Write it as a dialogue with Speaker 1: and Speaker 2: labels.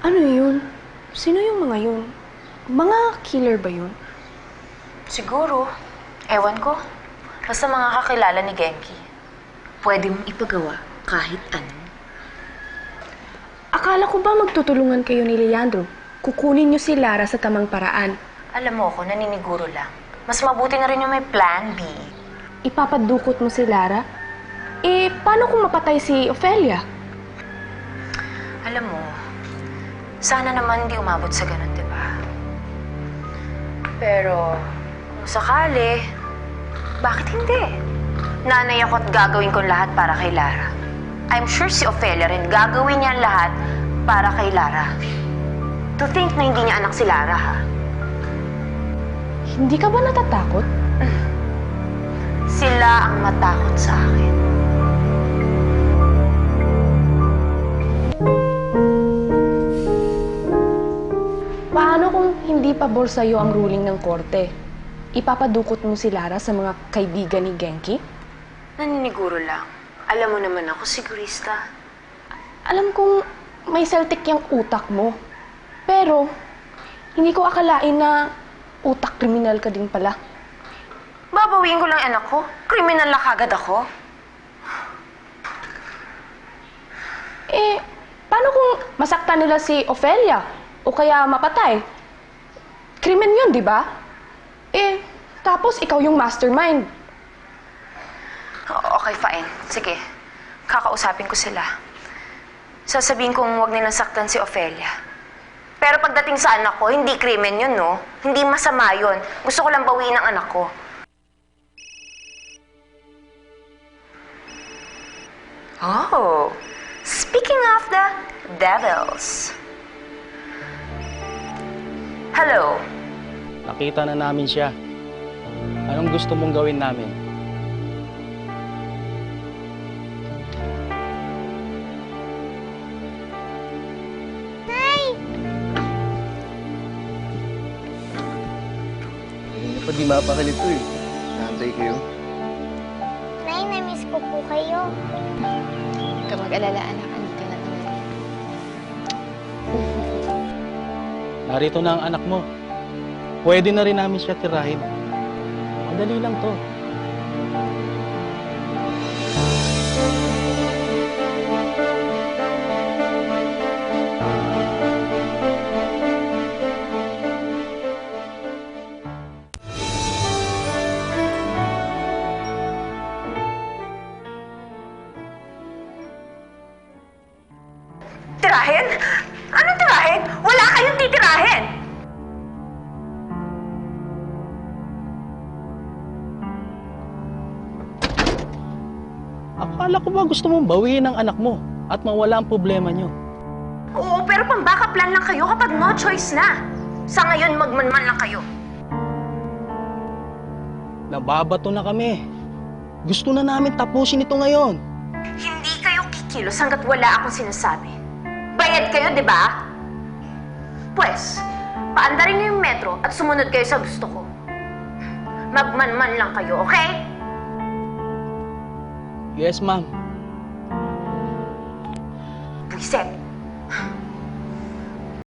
Speaker 1: Ano yun? Sino yung mga yun? Mga killer ba yun?
Speaker 2: Siguro. Ewan ko. Basta mga kakilala ni Genki. Pwede mong ipagawa kahit ano.
Speaker 1: Akala ko ba magtutulungan kayo ni Leandro? Kukunin niyo si Lara sa tamang paraan.
Speaker 2: Alam mo ako, naniniguro lang. Mas mabuti na rin yung may plan B.
Speaker 1: Ipapadukot mo si Lara? Eh, paano kung mapatay si Ophelia?
Speaker 2: Alam mo, sana naman hindi umabot sa ganun, di ba? Pero, kung sakali, bakit hindi? Nanay ako at gagawin ko lahat para kay Lara. I'm sure si Ophelia rin gagawin niya lahat para kay Lara. To think na hindi niya anak si Lara, ha?
Speaker 1: Hindi ka ba natatakot?
Speaker 2: Sila ang matakot sa akin.
Speaker 1: Paano kung hindi pabor sa'yo ang ruling ng korte? Ipapadukot mo si Lara sa mga kaibigan ni Genki?
Speaker 2: Naniniguro lang. Alam mo naman ako, sigurista.
Speaker 1: Alam kong may Celtic yung utak mo. Pero, hindi ko akalain na utak kriminal ka din pala.
Speaker 2: Babawiin ko lang anak ko. Kriminal na kagad ako.
Speaker 1: Eh, paano kung masaktan nila si Ophelia? O kaya mapatay? Krimen yun, di ba? Eh, tapos ikaw yung mastermind.
Speaker 2: Okay, fine. Sige. Kakausapin ko sila. Sasabihin kong huwag nilang saktan si Ophelia. Pero pagdating sa anak ko, hindi krimen yun, no? Hindi masama yun. Gusto ko lang bawiin ang anak ko. Oh, speaking of the devils. Hello.
Speaker 3: Nakita na namin siya. Anong gusto mong gawin namin?
Speaker 4: Hindi pa di mapakalito eh. Nantay kayo.
Speaker 5: Nay, na-miss ko po kayo.
Speaker 6: Huwag ka mag-alala, anak. Andito na naman.
Speaker 3: Narito na ang anak mo. Pwede na rin namin siya tirahin. Madali lang to.
Speaker 2: Tirahin? Anong tirahin? Wala kayong titirahin!
Speaker 3: Akala ko ba gusto mong bawiin ang anak mo at mawala ang problema niyo?
Speaker 2: Oo, pero pang-backup plan lang kayo kapag no choice na. Sa ngayon, magmanman lang kayo.
Speaker 3: Nababato na kami. Gusto na namin tapusin ito ngayon.
Speaker 2: Hindi kayo kikilos hanggat wala akong sinasabi. Bayad kayo, di ba? Pwes, paandarin niyo yung metro at sumunod kayo sa gusto ko. Magmanman lang kayo, okay?
Speaker 3: Yes, ma'am.
Speaker 2: Buiset.